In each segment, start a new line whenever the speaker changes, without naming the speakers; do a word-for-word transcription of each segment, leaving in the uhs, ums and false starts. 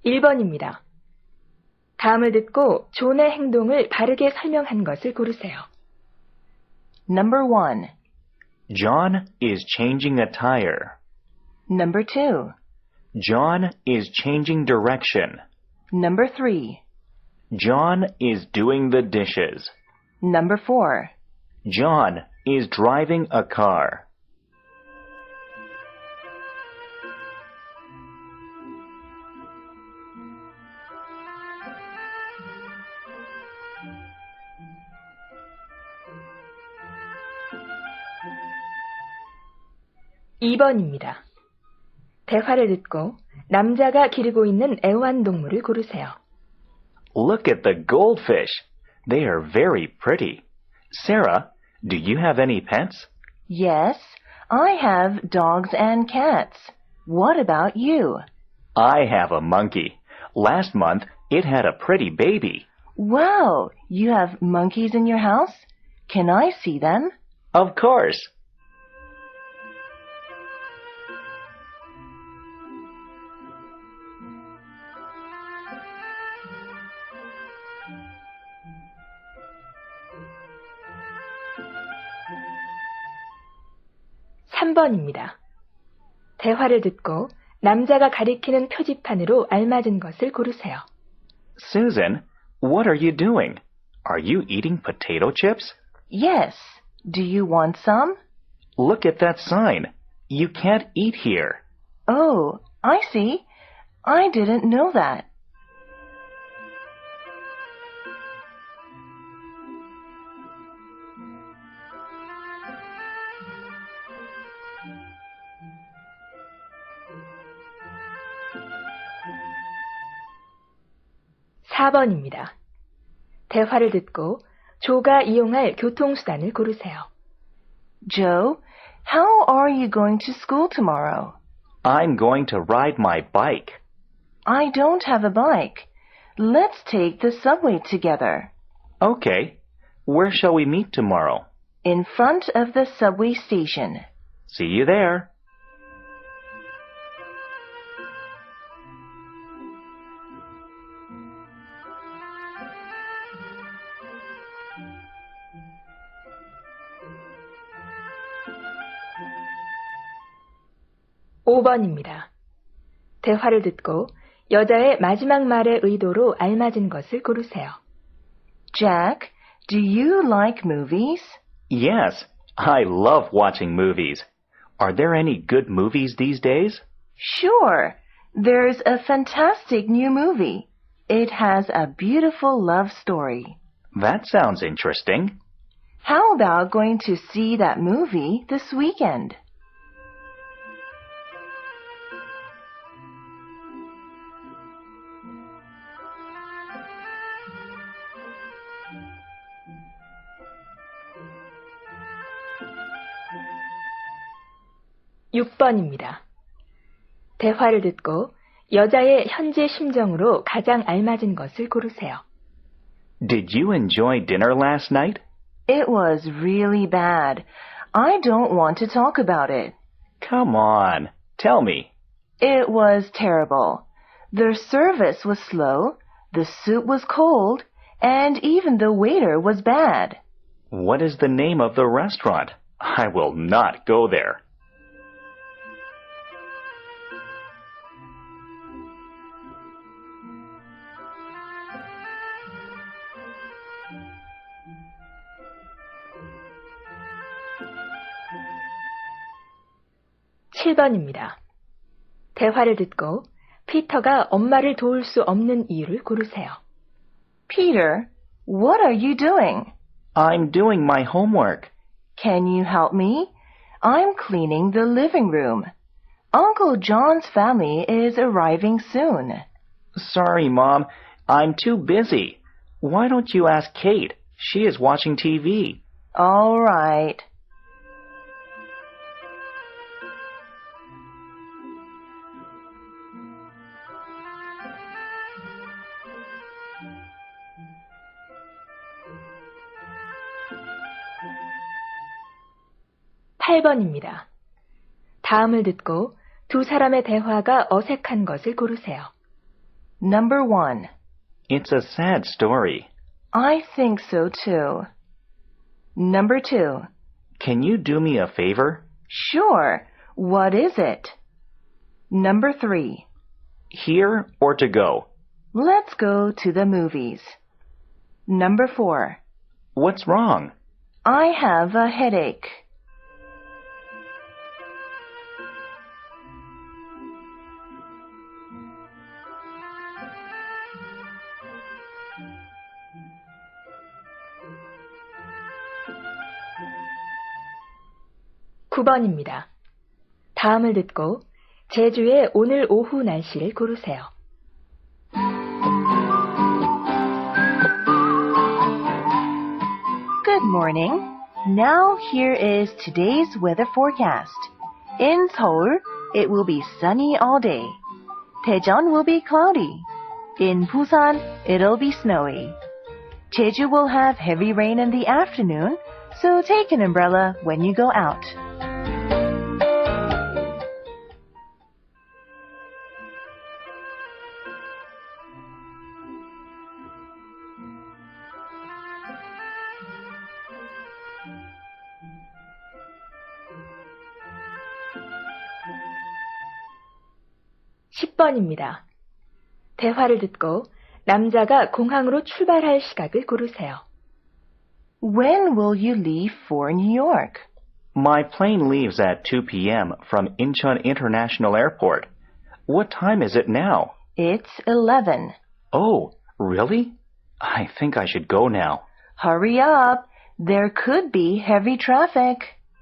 일 번입니다. 다음을 듣고 존의 행동을 바르게 설명한 것을 고르세요.
Number one.
John is changing a tire.
Number two.
John is changing direction.
Number three.
John is doing the dishes.
Number four.
John is driving a car.
이 번입니다. 대화를 듣고 남자가 기르고 있는 애완동물을 고르세요.
Look at the goldfish. They are very pretty. Sarah, do you have any pets?
Yes, I have dogs and cats. What about you?
I have a monkey. Last month, it had a pretty baby.
Wow, you have monkeys in your house? Can I see them?
Of course.
삼 번입니다. 대화를 듣고 남자가 가리키는 표지판으로 알맞은 것을 고르세요.
Susan, what are you doing? Are you eating potato chips?
Yes. Do you want some?
Look at that sign. You can't eat here.
Oh, I see. I didn't know that.
사 번입니다. 대화를 듣고 조가 이용할 교통수단을 고르세요.
Joe, how are you going to school tomorrow?
I'm going to ride my bike.
I don't have a bike. Let's take the subway together.
Okay. Where shall we meet tomorrow?
In front of the subway station.
See you there.
오 번입니다. 대화를 듣고 여자의 마지막 말의 의도로 알맞은 것을 고르세요.
Jack, do you like movies?
Yes, I love watching movies. Are there any good movies these days?
Sure. There's a fantastic new movie. It has a beautiful love story.
That sounds interesting.
How about going to see that movie this weekend?
육 번입니다. 대화를 듣고 여자의 현재 심정으로 가장 알맞은 것을 고르세요.
Did you enjoy dinner last night?
It was really bad. I don't want to talk about it.
Come on, tell me.
It was terrible. The service was slow, the soup was cold, and even the waiter was bad.
What is the name of the restaurant? I will not go there.
칠 번입니다. 대화를 듣고 피터가 엄마를 도울 수 없는 이유를 고르세요.
Peter, what are you doing?
I'm doing my homework.
Can you help me? I'm cleaning the living room. Uncle John's family is arriving soon.
Sorry, Mom. I'm too busy. Why don't you ask Kate? She is watching T V.
All right.
팔 번입니다. 다음을 듣고 두 사람의 대화가 어색한 것을 고르세요.
Number one.
It's a sad story.
I think so too. Number two.
Can you do me a favor?
Sure. What is it? Number three.
Here or to go?
Let's go to the movies. Number four.
What's wrong?
I have a headache.
구 번입니다. 다음을 듣고 제주의 오늘 오후 날씨를 고르세요.
Good morning. Now here is today's weather forecast. In Seoul, it will be sunny all day. Daejeon will be cloudy. In Busan, it'll be snowy. Jeju will have heavy rain in the afternoon, so take an umbrella when you go out.
십 번입니다. 대화를 듣고 남자가 공항으로 출발할 시각을 고르세요.
When will you leave for New York?
My plane leaves at two p.m. from Incheon International Airport. What time is it now?
It's eleven.
Oh, really? I think I should go now.
Hurry up. There could be heavy traffic.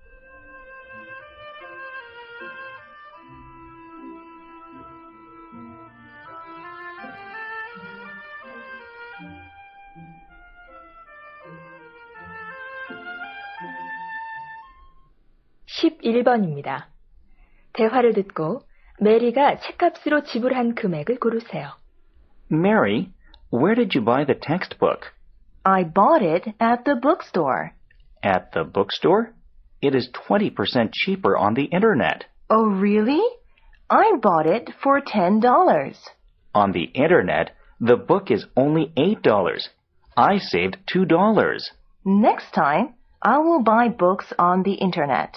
십일 번입니다. 대화를 듣고 메리가 책값으로 지불한 금액을 고르세요.
Mary, where did you buy the textbook?
I bought it at the bookstore.
At the bookstore? It is twenty percent cheaper on the internet.
Oh, really? I bought it for ten dollars.
On the internet, the book is only eight dollars. I saved two dollars.
Next time, I will buy books on the internet.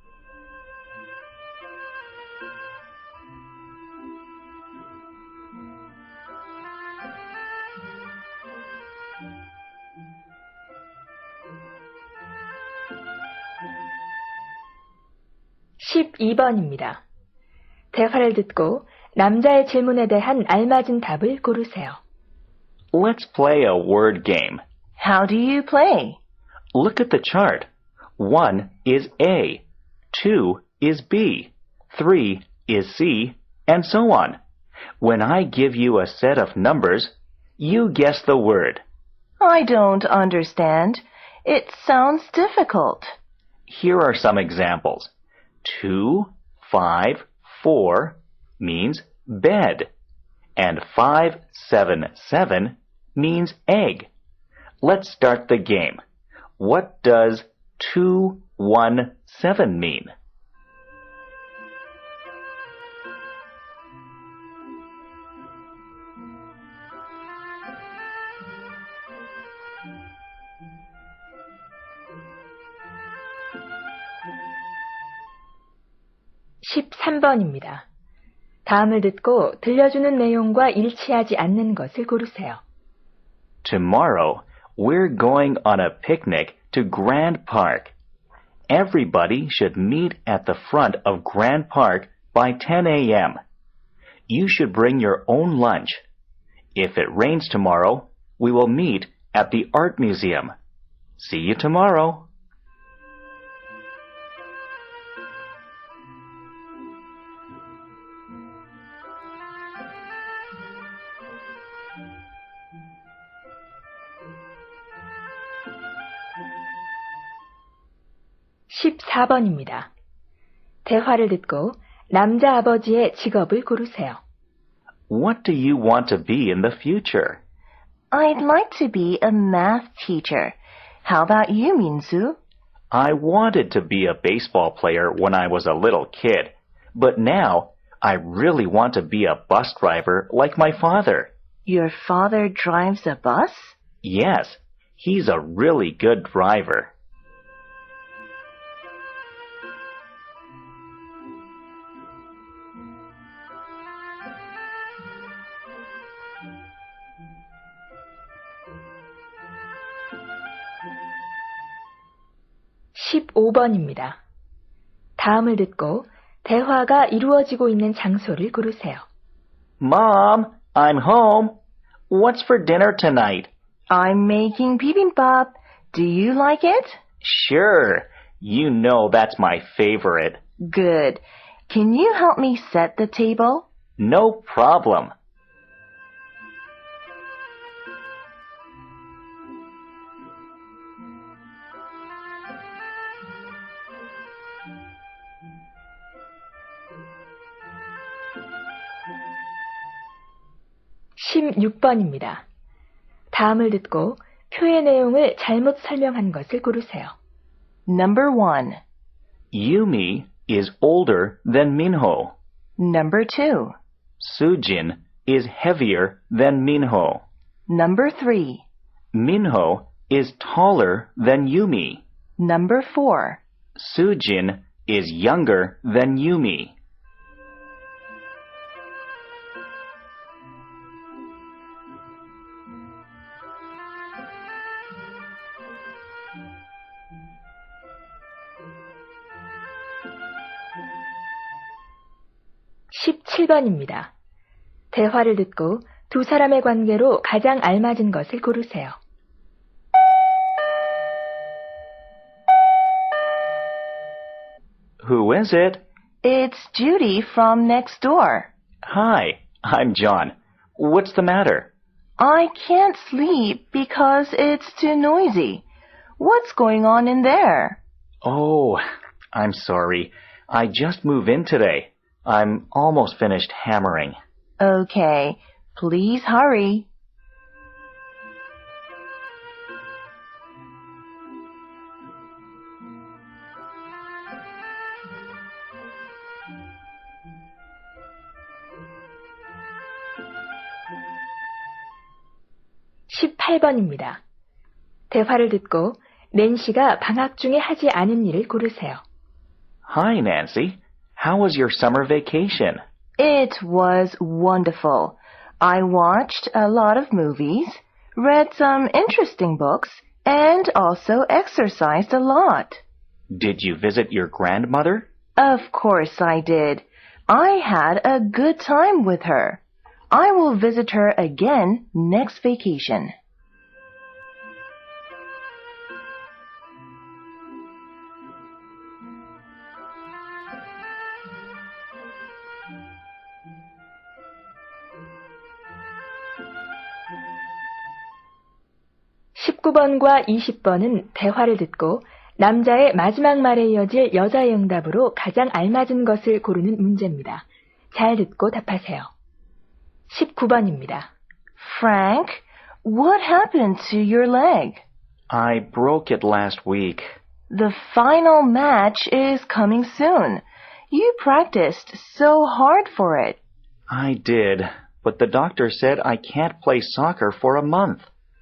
십이 번입니다. 대화를 듣고 남자의 질문에 대한 알맞은 답을 고르세요.
Let's play a word game.
How do you play?
Look at the chart. One is A, two is B, three is C, and so on. When I give you a set of numbers, you guess the word.
I don't understand. It sounds difficult.
Here are some examples. Two, five, four means bed, and five, seven, seven means egg. Let's start the game. What does two, one, seven mean?
십삼 번입니다. 다음을 듣고 들려주는 내용과 일치하지 않는 것을 고르세요.
Tomorrow, we're going on a picnic to Grand Park. Everybody should meet at the front of Grand Park by ten a.m. You should bring your own lunch. If it rains tomorrow, we will meet at the Art Museum. See you tomorrow.
십사 번입니다. 대화를 듣고 남자 아버지의 직업을 고르세요.
What do you want to be in the future?
I'd like to be a math teacher. How about you, Minsu?
I wanted to be a baseball player when I was a little kid, but now I really want to be a bus driver like my father.
Your father drives a bus?
Yes, he's a really good driver.
십오 번입니다. 다음을 듣고 대화가 이루어지고 있는 장소를 고르세요.
Mom, I'm home. What's for dinner tonight?
I'm making bibimbap. Do you like it?
Sure. You know that's my favorite.
Good. Can you help me set the table?
No problem.
십육 번입니다. 다음을 듣고 표의 내용을 잘못 설명한 것을 고르세요.
Number one.
Yumi is older than Minho.
Number two.
Sujin is heavier than Minho.
Number three.
Minho is taller than Yumi.
Number four.
Sujin is younger than Yumi.
십칠 번입니다. 대화를 듣고 두 사람의 관계로 가장 알맞은 것을 고르세요.
Who is it?
It's Judy from next door.
Hi, I'm John. What's the matter?
I can't sleep because it's too noisy. What's going on in there?
Oh, I'm sorry. I just moved in today. I'm almost finished hammering.
Okay, please hurry.
십팔 번입니다. 대화를 듣고 낸시가 방학 중에 하지 않은 일을 고르세요.
Hi, Nancy. How was your summer vacation?
It was wonderful. I watched a lot of movies, read some interesting books, and also exercised a lot.
Did you visit your grandmother?
Of course I did. I had a good time with her. I will visit her again next vacation.
십구 번과 이십 번은 대화를 듣고 남자의 마지막 말에 이어질 여자의 응답으로 가장 알맞은 것을 고르는 문제입니다. 잘 듣고 답하세요. 십구 번입니다.
Frank, what happened to your leg?
I broke it last week.
The final match is coming soon. You practiced so hard for it.
I did, but the doctor said I can't play soccer for a month.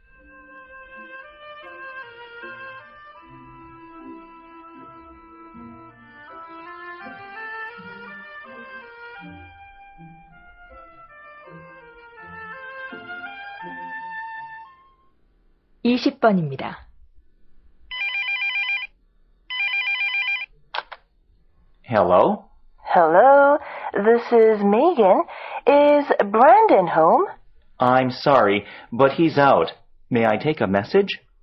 이십 번입니다.
Hello?
Hello, this is Megan. Is Brandon home?
I'm sorry, but he's out. May I take a message?